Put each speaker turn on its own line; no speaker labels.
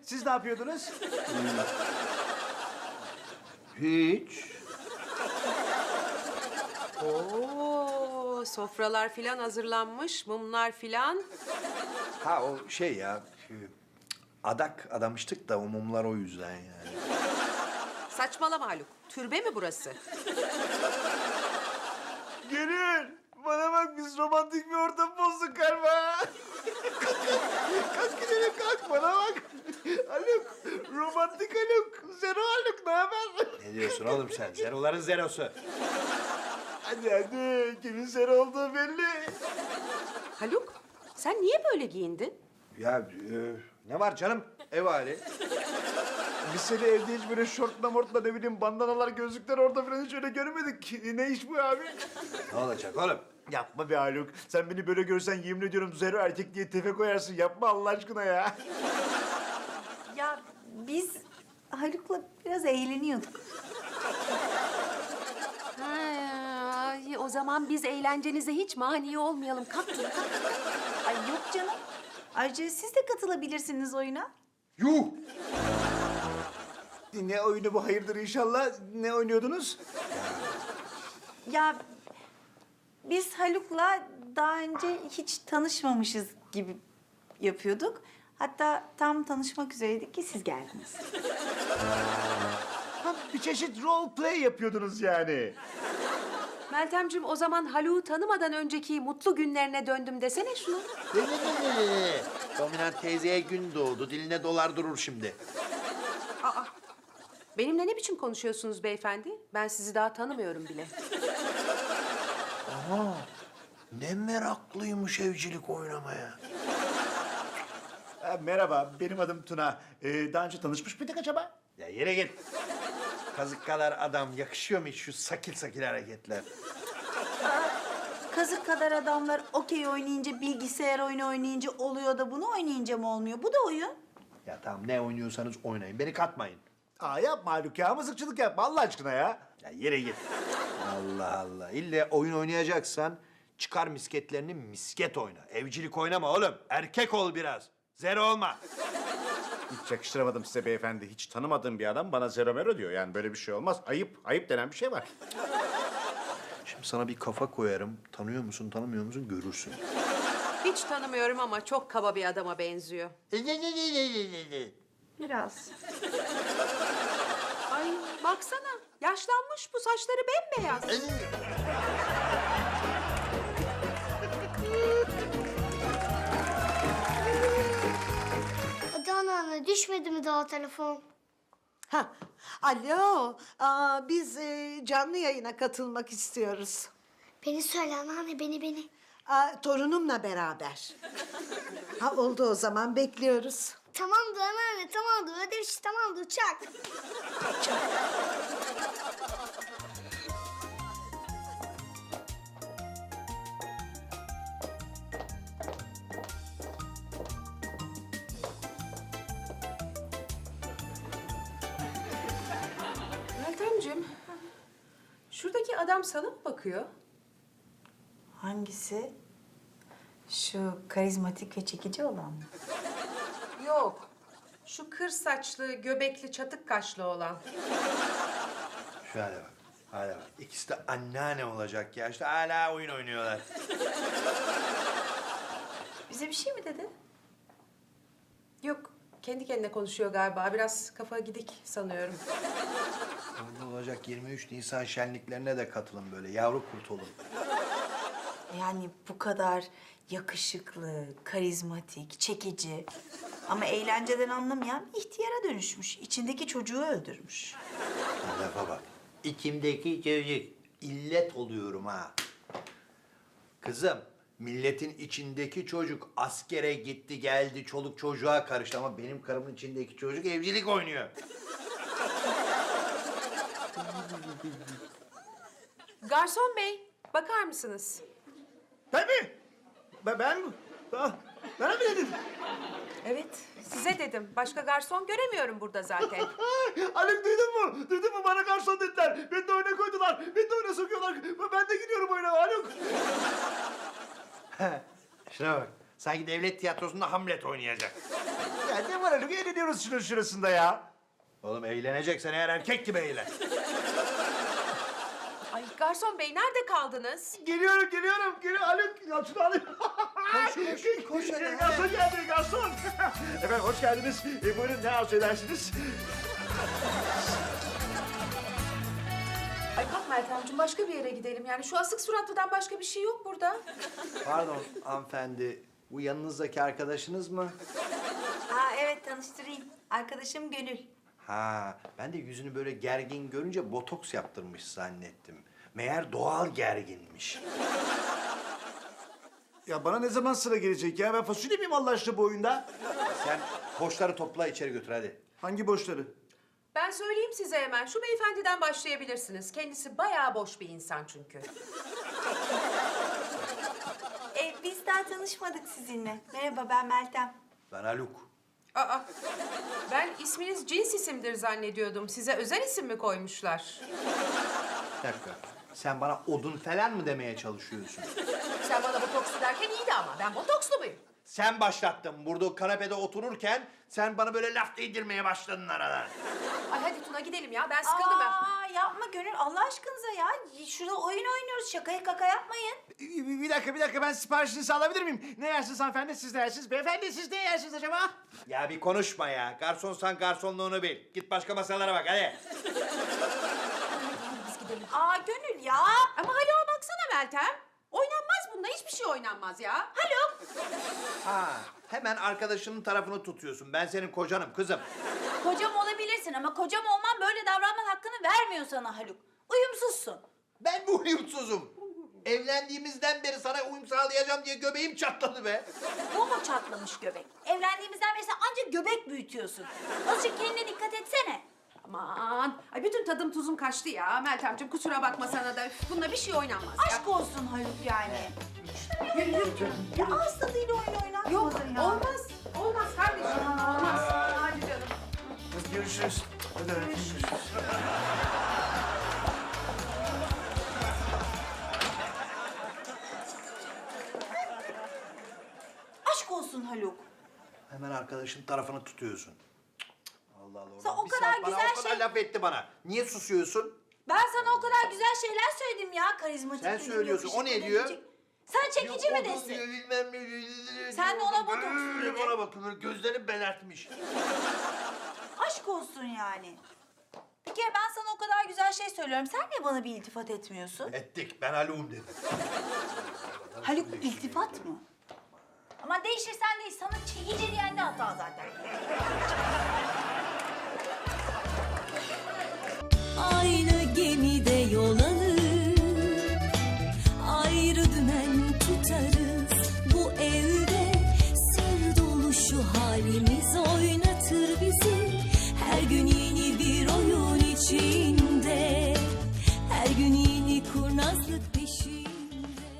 siz ne yapıyordunuz?
Hiç.
Oo, sofralar filan hazırlanmış, mumlar filan.
Ha o şey ya, adak adamıştık da o mumlar o yüzden yani.
Saçmalama Haluk. Türbe mi burası?
Gönül, bana bak biz romantik bir ortam bozduk galiba. Kalk gidelim kalk bana bak. Haluk, romantik Haluk. Zero Haluk, ne haber?
Ne diyorsun oğlum sen? Zeroların zerosu.
Hadi hadi, kimin zero olduğu belli.
Haluk, sen niye böyle giyindin?
Ya ne var canım? Ev hali.
Biz seni evde hiç böyle şortla mortla ne bileyim bandanalar, gözlükler orada falan hiç öyle görmedik. Ne iş bu abi?
Ne olacak oğlum?
Yapma be Haluk. Sen beni böyle görsen yemin ediyorum zero erkek diye tefe koyarsın. Yapma Allah aşkına ya.
Ya biz Haluk'la biraz eğleniyorduk.
Ha, o zaman biz eğlencenize hiç mani olmayalım. Kalk Tuna, kalk.
Ay yok canım. Ayrıca siz de katılabilirsiniz oyuna.
Yuh!
Ne oyunu bu hayırdır inşallah? Ne oynuyordunuz?
Ya biz Haluk'la daha önce hiç tanışmamışız gibi yapıyorduk. Hatta tam tanışmak üzereydik ki siz geldiniz.
Ha, bir çeşit role play yapıyordunuz yani.
Meltemciğim o zaman Haluk'u tanımadan önceki mutlu günlerine döndüm desene şunu.
Dominant teyzeye gün doğdu. Diline dolar durur şimdi.
Benimle ne biçim konuşuyorsunuz beyefendi? Ben sizi daha tanımıyorum bile.
Ne meraklıymış evcilik oynamaya.
Ha, merhaba, benim adım Tuna. Daha önce tanışmış mıydık acaba?
Ya yere git. Kazık kadar adam yakışıyor mu hiç şu sakil sakil hareketler?
Kazık kadar adamlar okey oynayınca, bilgisayar oyunu oynayınca oluyor da bunu oynayınca mı olmuyor? Bu da oyun.
Ya tamam ne oynuyorsanız oynayın. Beni katmayın.
Aa yapma Haluk ya, mızıkçılık yapma Allah aşkına ya.
Ya yere git. Allah Allah. İlle oyun oynayacaksan çıkar misketlerini misket oyna. Evcilik oynama oğlum. Erkek ol biraz. Zero olma.
Hiç yakıştıramadım size beyefendi. Hiç tanımadığım bir adam bana zero mero diyor. Yani böyle bir şey olmaz. Ayıp, ayıp denen bir şey var.
Şimdi sana bir kafa koyarım. Tanıyor musun, tanımıyor musun görürsün.
Hiç tanımıyorum ama çok kaba bir adama benziyor.
Biraz.
Ay baksana yaşlanmış bu saçları bembeyaz.
Hadi anneanne, düşmedi mi daha telefon?
Ha, alo, biz canlı yayına katılmak istiyoruz.
Beni söyle anneanne, beni.
Torunumla beraber. Ha, oldu o zaman, bekliyoruz.
Tamamdır anneanne, tamamdır. Ödev işi tamamdır, çak.
Meltemciğim, şuradaki adam sana mı bakıyor?
Hangisi? Şu karizmatik ve çekici olan mı?
Yok. Şu kır saçlı, göbekli, çatık kaşlı olan.
Şu hale bak. Hale bak. İkisi de anneanne olacak ya. İşte hala oyun oynuyorlar.
Bize bir şey mi dedi?
Yok, kendi kendine konuşuyor galiba. Biraz kafa gidik sanıyorum.
Orada olacak 23 Nisan şenliklerine de katılın böyle. Yavru kurt olun.
Yani bu kadar yakışıklı, karizmatik, çekici ama eğlenceden anlamayan bir ihtiyara dönüşmüş. İçindeki çocuğu öldürmüş.
Lafa bak. İçimdeki çocuk. İllet oluyorum ha. Kızım, milletin içindeki çocuk askere gitti geldi, çoluk çocuğa karıştı ama benim karımın içindeki çocuk evcilik oynuyor.
Garson bey, bakar mısınız?
Ben mi? Ben mi? Bana mı dedin?
Evet, size dedim. Başka garson göremiyorum burada zaten.
Haluk duydun mu? Duydun mu? Bana garson dediler. Beni de oyuna koydular. Beni de oyuna sokuyorlar. Ben de gidiyorum oyuna Haluk.
Şuna bak. Sanki devlet tiyatrosunda Hamlet oynayacak.
Ya ne var Haluk? Eğleniyoruz şunun şurasında ya.
Oğlum eğleneceksen eğer erkek gibi eğlen.
Ay garson bey nerede kaldınız?
Geliyorum. Haluk, ya şunu alayım.
Koş hadi.
Garson geldi, garson. Efendim hoş geldiniz. Buyurun ne arzu edersiniz?
Ay kalk Meltemciğim başka bir yere gidelim. Yani şu asık suratlıdan başka bir şey yok burada.
Pardon hanımefendi. Bu yanınızdaki arkadaşınız mı?
Aa evet tanıştırayım. Arkadaşım Gönül.
Ha, ben de yüzünü böyle gergin görünce botoks yaptırmış zannettim. Meğer doğal gerginmiş.
Ya bana ne zaman sıra gelecek ya? Ben fasulye miyim Allah aşkına bu oyunda?
Sen boşları topla içeri götür hadi.
Hangi boşları?
Ben söyleyeyim size hemen. Şu beyefendiden başlayabilirsiniz. Kendisi bayağı boş bir insan çünkü.
Biz daha tanışmadık sizinle. Merhaba ben Meltem.
Ben Haluk.
Aa, ben isminiz cins isimdir zannediyordum. Size özel isim mi koymuşlar?
Bir dakika. Sen bana odun falan mı demeye çalışıyorsun?
Sen bana botokslu derken iyiydi ama ben botokslu muyum?
Sen başlattın. Burada kanepede otururken sen bana böyle laf değdirmeye başladın aradan.
Ay hadi Tuna gidelim ya. Ben sıkıldım ben.
Yapma Gönül Allah aşkınıza ya. Şurada oyun oynuyoruz. Şakaya kaka yapmayın.
Bir dakika ben siparişinizi alabilir miyim? Ne yersiniz hanımefendi? Siz ne yersiniz? Beyefendi siz ne yersiniz acaba?
Ya bir konuşma ya. Garsonsan garsonluğunu bil. Git başka masalara bak hadi.
Gönül ya.
Ama Haluk'a baksana Meltem. Oynanmaz bunda. Hiçbir şey oynanmaz ya. Haluk.
Ha, hemen arkadaşının tarafını tutuyorsun. Ben senin kocanım kızım.
Kocam olabilirsin ama kocam olman böyle davranman hakkını vermiyor sana Haluk. Uyumsuzsun.
Ben bu uyumsuzum. Evlendiğimizden beri sana uyum sağlayacağım diye göbeğim çatladı be.
Bu mu çatlamış göbek? Evlendiğimizden beri sen ancak göbek büyütüyorsun. Azıcık kendine dikkat etsene.
Aman. Ay bütün tadım tuzum kaçtı ya. Meltemciğim kusura bakma sana da. Üf, bununla bir şey oynanmaz ya.
Aşk olsun Haluk yani. Ya ağız tadıyla oyun oynatmadın
Yok
ya.
olmaz. Olmaz kardeşim. Olmaz. Hadi canım.
Görüşürüz. Hadi görüşürüz.
Aşk olsun Haluk.
Hemen arkadaşın tarafını tutuyorsun. Allah Allah.
Sen o
Bir
kadar
saat bana
güzel
o kadar
şey-
laf etti bana. Niye susuyorsun?
Ben sana o kadar güzel şeyler söyledim ya. Karizmatik.
Sen
dedim,
söylüyorsun, o ne
yakışıklı
diyor?
dedim. Sen çekici mi
Yok,
desin?
diyor, bilmem ne.
Sen de ona botoks
Böyle
dedin.
bana bakıyor, gözlerini belertmiş.
Aşk olsun yani. Bir kere ben sana o kadar güzel şey söylüyorum. Sen niye bana bir iltifat etmiyorsun?
Ettik, ben Haluk'um dedim.
Haluk iltifat mı? Ama değişirsen değil. Sana çekici diyen de hata zaten.
Aynı gemide yol alır, ayrı dümen tutarız. Bu evde sır dolu şu halimiz oynatır bizi. Her gün yeni